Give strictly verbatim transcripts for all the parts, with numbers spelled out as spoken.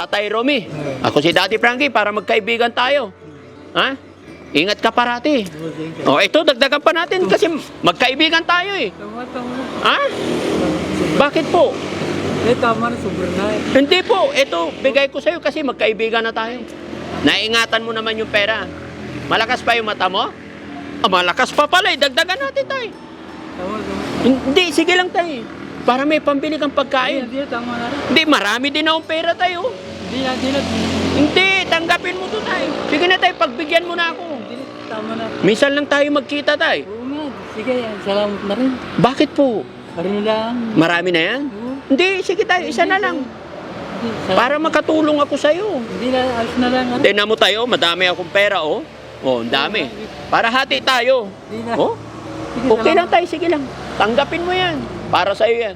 Tatay Romy. Ako si Daddy Frankie para magkaibigan tayo. Ha? Ingat ka parati. O, ito, dagdagan pa natin kasi magkaibigan tayo eh. Tama, tama. Ha? Bakit po? Eh, tama na, sobrang na eh. Hindi po. Ito, bigay ko sa'yo kasi magkaibigan na tayo. Naingatan mo naman yung pera. Malakas pa yung mata mo? Ah, malakas pa pala eh. Dagdagan natin tayo. Tama, tama. Hindi, sige lang tayo. Para may pambili kang pagkain. Hindi, tama na rin. Hindi, marami din akong pera tayo. Hindi na, hindi na. Hindi, tanggapin mo to tayo. Sige na tayo, pagbigyan mo na ako. Hindi na, tama na. Minsan lang tayo magkita tayo. Oo nga, sige, salamat na rin. Bakit po? Parin lang. Marami na yan? Oo. Hindi, sige tayo, isa na lang. Hindi, salamat. Para makatulong ako sa'yo. Hindi na, alis na lang. Ano? Tignan mo tayo, madami akong pera, oh. Oh, ang dami. Para hati tayo. Hindi na. Oh, Sige, okay lang salamat. tayo, sige lang. Tanggapin mo yan. Para sa'yo yan.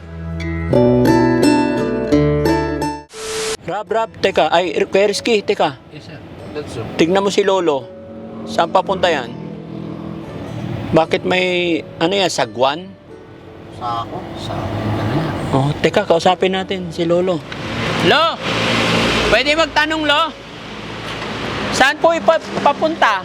Rab, Rab, teka. Ay, Kuya Rizky, teka. Yes, sir. That's so. Tignan mo si Lolo. Saan papunta yan? Bakit may, ano yan, sagwan? Sa ako? Sa ano yan? Oh, teka, kausapin natin si Lolo. Lo! Pwede magtanong, Lo? Saan po ipapunta?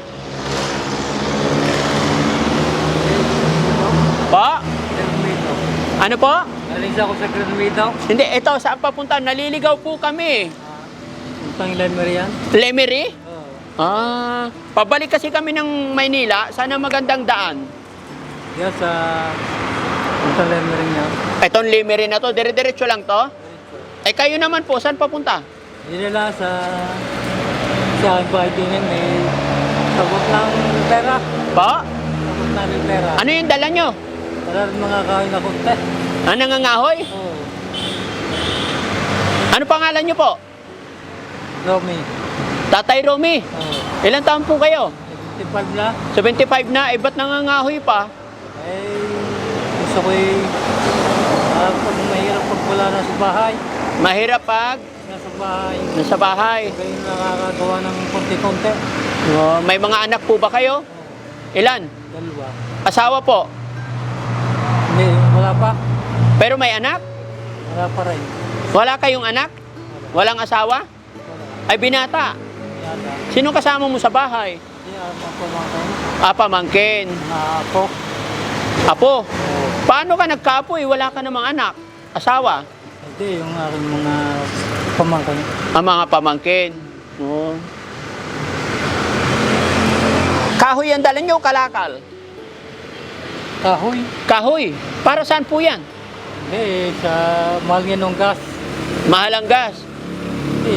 Po? Granmito. Ano po? Alis ako sa Granmito. Hindi, ito, saan papunta? Naliligaw po kami. Utang ilan mo riyan? Lemery? Oo. Ah, pabalik kasi kami ng Maynila. Sana magandang daan. Yes, sa... Utang ilan mo rin yan? Itong Lemery na to, dire-diretso lang to? Eh, kayo naman po, saan papunta? Hindi nila sa... Sa aking bahay din yan, may... Sabot ng pera. Po? Sabot na rin pera. Ano yung dala nyo? Wala rin mga kain na kunti. Ah, nangangahoy? Oo. Ano pangalan nyo po? Romy. Tatay Romy. Oo. Ilang taon po kayo? seventy-five na. seventy-five na, eh ba't nangangahoy pa? Eh... Gusto ko eh... ah, pag mahirap pag wala na sa bahay. Mahirap pag Nasa bahay. nasa bahay. Kayo nakakagawa ng konti-konti. Oh, may mga anak po ba kayo? Ilan? Dalawa. Asawa po? Hindi, wala pa. Pero may anak? Wala pa rin. Wala kayong anak? Walang asawa? Wala. Ay binata. Yata. Sino kasama mo sa bahay? Hindi, alam ako mga kayo. Ah, pamangkin. Mga apo. Apo, Oo. paano ka nagkaapo eh? Wala ka namang anak. Asawa? Hindi, yung aking mga pamangkin. Ang mga pamangkin. Oh. Kahoy ang dala nyo, kalakal? Kahoy. Kahoy. Para saan po yan? Hindi, sa mahal nga nung gas. Mahal ang gas. Hindi,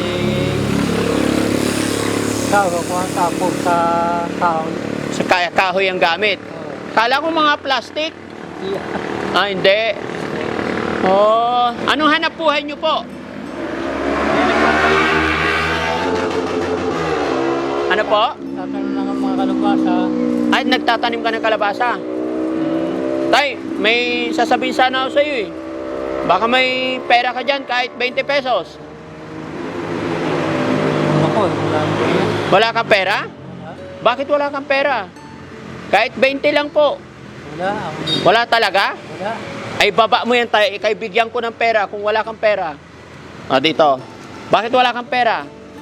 kahoy ko ang tapos sa kahoy. Sa kaya kahoy ang gamit. Oo. Kala ko mga plastic. Hindi. Ah, hindi. Oh, anong hanap buhay nyo po? Ano po? Tatanong lang ang mga kalabasa. Ay, nagtatanim ka ng kalabasa. Tay, may sasabihin sana ako sa iyo eh. Baka may pera ka dyan kahit twenty pesos. Ako, wala ko yan. Wala kang pera? Wala. Bakit wala kang pera? Kahit twenty lang po. Wala. Ako, Wala talaga? wala. Ay, baba mo yan tayo. Ikay bigyan ko ng pera kung wala kang pera. Ah, dito. Bakit wala kang pera?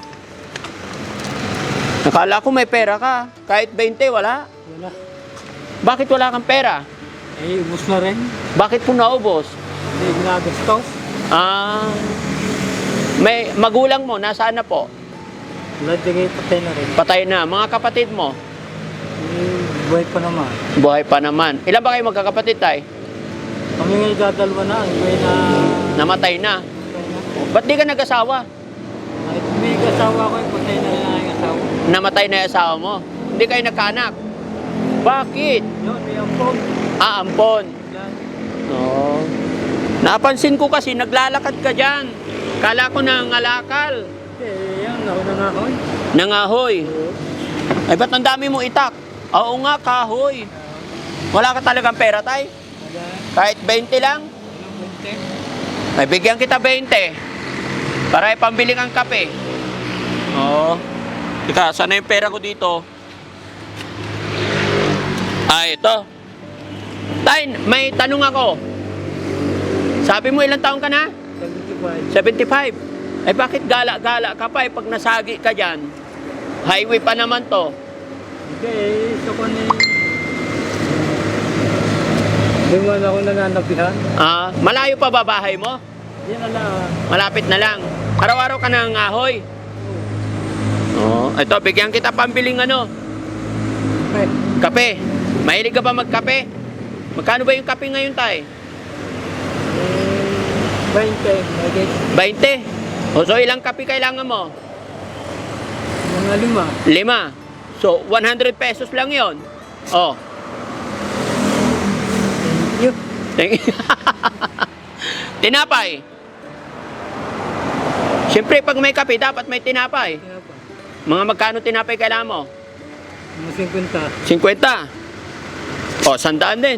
Nakala ko may pera ka. Kahit twenty, wala. Wala. Bakit wala kang pera? Eh, ubus na rin. Bakit po naubos? Hindi, ginagastos. Ah, may magulang mo, nasaan na po? Wala, di kayo patay na rin. Patay na. Mga kapatid mo, Eh, buhay pa naman. buhay pa naman. Ilan ba kayo magkakapatid tayo? Kami ngayon dadalwa na, ang buhay na... Namatay na. patay na. Ba't di ka nag-asawa? Ay, may asawa ko, eh, patay na rin ang aking asawa. Namatay na yung asawa mo. Hindi kayo nagkaanak. Bakit? Yun, may ampon. Ah, ampon. Yan. Oo. Napansin ko kasi naglalakad ka dyan. Kala ko nangalakal. Eh, yan, nauna nga ako. eh. Nangahoy. Ay, ba't ang dami mo itak? Oo nga, kahoy. Wala ka talagang pera, tay? Wala. Kahit twenty lang? Anong bunte? May bigyan kita twenty. Para ipambili kang kape. Oo. Teka, sana yung pera ko dito? Ah, ito. Tay, may tanong ako. Sabi mo ilang taon ka na? seventy-five. seventy-five. Eh bakit gala-gala ka pa eh pag nasagi ka dyan? Highway pa naman to. Hindi, so ko ni... Hindi mo na ako nananabihan. Ah, malayo pa ba bahay mo? Hindi na lang. Malapit na lang. Araw-araw ka nang ahoy. Oo. Oh, ito, bigyan kita pambiling ano, Okay. kape. Mahilig ka ba magkape? Magkano ba yung kape ngayon, tay? twenty, okay. twenty. O, so ilang kape kailangan mo? Mga lima. Lima. So, one hundred pesos lang yon. Oh. Thank you. Tinapay. Siyempre, pag may kape, dapat may tinapay. Kaya pa. Mga magkano tinapay kailangan mo? Mga singkwenta. fifty. O, sandaan din.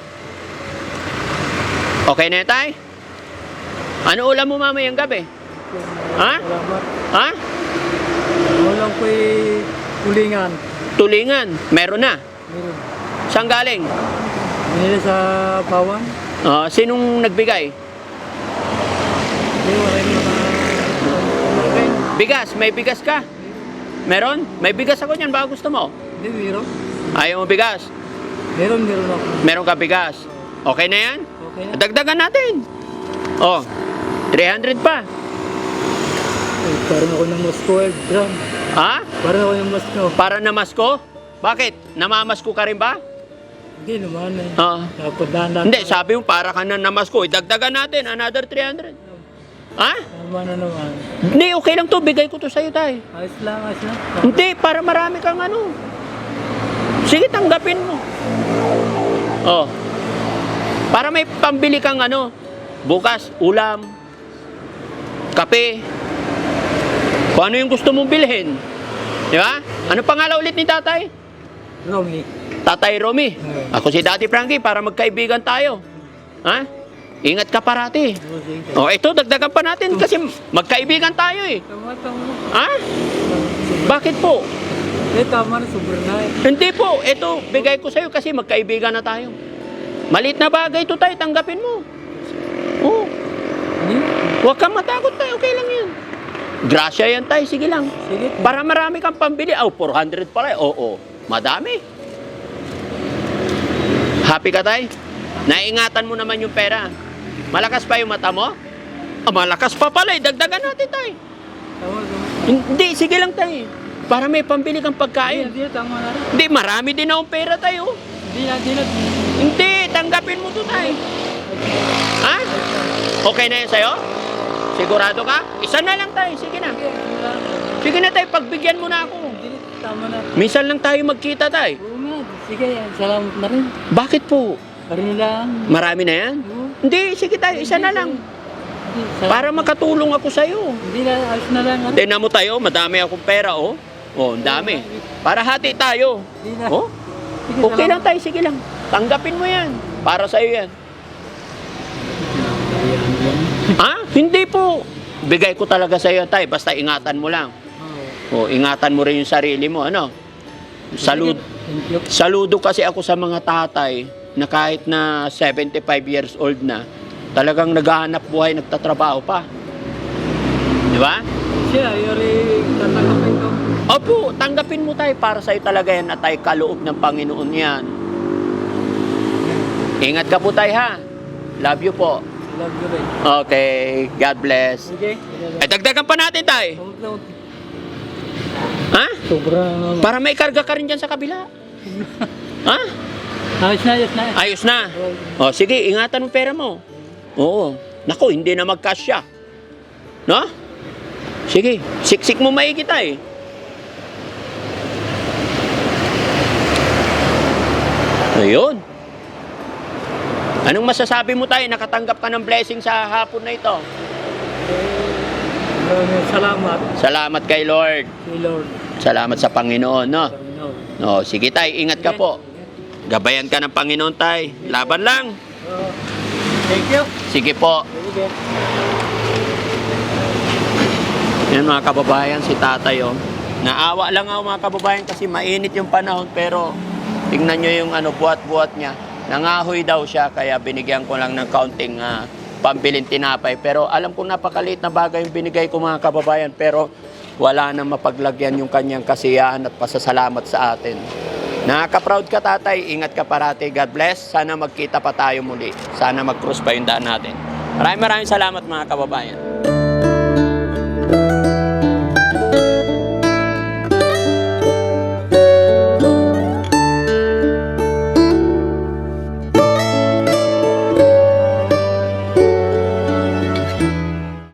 Okay na yan, tay? Ano ulam mo mamayang gabi? Ha? Salamat. Ha? Walang ko'y kulingan. Tulingan. Meron na. Meron. Saan galing? Nila sa bawang. Ah, sinong nagbigay? Hindi, wala yung mga... Okay. Bigas. May bigas ka? Meron? May bigas ako niyan. Baka gusto mo? Hindi, meron. Ayaw mo bigas? Meron, meron ako. Meron ka bigas? Okay na yan? Okay na. Dagdagan natin. Oh, three hundred pa. Ay, parang ako ng Moscow, eh, gram. Ha? Parang ako ng Moscow. Para namasko? Bakit? Namamasko ka rin ba? Hindi naman eh. Ah. Dapat dahan Hindi, sabi mo para ka na namasko. Idagdagan natin, another three hundred. Ha? Tama na naman. Hindi, okay lang to. Bigay ko to sa'yo, tay. Ayos lang, ayos lang. Hindi, para marami kang ano. Sige, tanggapin mo. Oh. Para may pambili kang ano. Bukas, ulam. Kape. Kung ano yung gusto mong bilhin. Di ba? Ano pangalan ulit ni tatay? Romy. Tatay Romy. Hmm. Ako si Daddy Frankie para magkaibigan tayo. Ha? Ingat ka parati. Oh, ito, dagdagan pa natin kasi magkaibigan tayo eh. Tama, tama. Ha? Bakit po? Eh, tama na, sobrang na eh. Hindi po, ito, bigay ko sa'yo kasi magkaibigan na tayo. Maliit na bagay ito tayo, tanggapin mo. Oo. Hindi? Huwag kang matakot tayo, okay lang yan. Grasya yan tayo, sige lang. Sige. Para marami kang pambili. Oh, four hundred pala. Oo, madami. Happy ka tayo? Naingatan mo naman yung pera. Malakas pa yung mata mo? Ah, malakas pa pala, eh. Dagdagan natin tayo. Tama, tama. Hindi, sige lang tayo. Para may pambili kang Hindi, pagkain. hindi, tama na rin. Hindi, marami din akong pera tayo. Hindi na, hindi na. Hindi, tanggapin mo to tayo. Ha? Okay na yan sa'yo? Sigurado ka? Isa na lang tayo, sige na. Sige, wala na. Sige na tayo, pagbigyan mo na ako. Hindi, tama na. Minsan lang tayo magkita tayo. Oo nga, sige, salamat na rin. Bakit po? Parin lang. Marami na yan? Oo. Hindi, sige tayo, isa na lang. Hindi, salamat. Para makatulong ako sa'yo. Hindi na, ayos na lang. ano? Tingnan mo tayo, madami akong pera, oh. Oh, ang dami. Para hati tayo. Hindi na. Oh, Sige, okay lang salamat. tayo, sige lang. Tanggapin mo yan. Para sa'yo yan. Ha? Hindi po. Bigay ko talaga sa'yo, tay. Basta ingatan mo lang. Oo. Oh, ingatan mo rin yung sarili mo, ano? Salud, Thank you. saludo kasi ako sa mga tatay na kahit na seventy-five years old na, talagang naghahanap buhay, nagtatrabaho pa. Di ba? Siya, yuri, tatanggapin ko. Opo, tanggapin mo tayo para sa'yo talaga yan at tayo kaloob ng Panginoon yan. Ingat ka po tayo ha. Love you po. Love you rin. Okay, God bless. Okay? Ay, dagdagan pa natin tayo. Ha? Sobrang... Para may karga ka rin dyan sa kabila. Ha? Ayos na, ayos na. Ayos na. O, sige, ingatan mo pera mo. Oo. Naku, hindi na magkasya. No? Sige, siksik mo maigi tayo. Ayun. Anong masasabi mo tayo? Nakatanggap ka ng blessing sa hapon na ito. Maraming salamat Salamat kay Lord. kay Lord. Salamat sa Panginoon, no? Panginoon. O, sige tay, ingat ka po. Gabayan ka ng Panginoon tay. Laban lang. Oh, thank you. Sige po. Sige. Yan mga kababayan, si tatay oh. Naawa lang ako mga kababayan kasi mainit yung panahon pero tingnan nyo yung ano, buhat-buhat niya. Nangahoy daw siya kaya binigyan ko lang ng kaunting uh, pambilin tinapay. Pero alam kong napakaliit na bagay yung binigay ko mga kababayan, pero wala nang mapaglagyan yung kanyang kasiyahan at pasasalamat sa atin. Nakaka-proud ka tatay, ingat ka parati, God bless. Sana magkita pa tayo muli. Sana mag-cross pa yung daan natin. Maraming maraming salamat mga kababayan.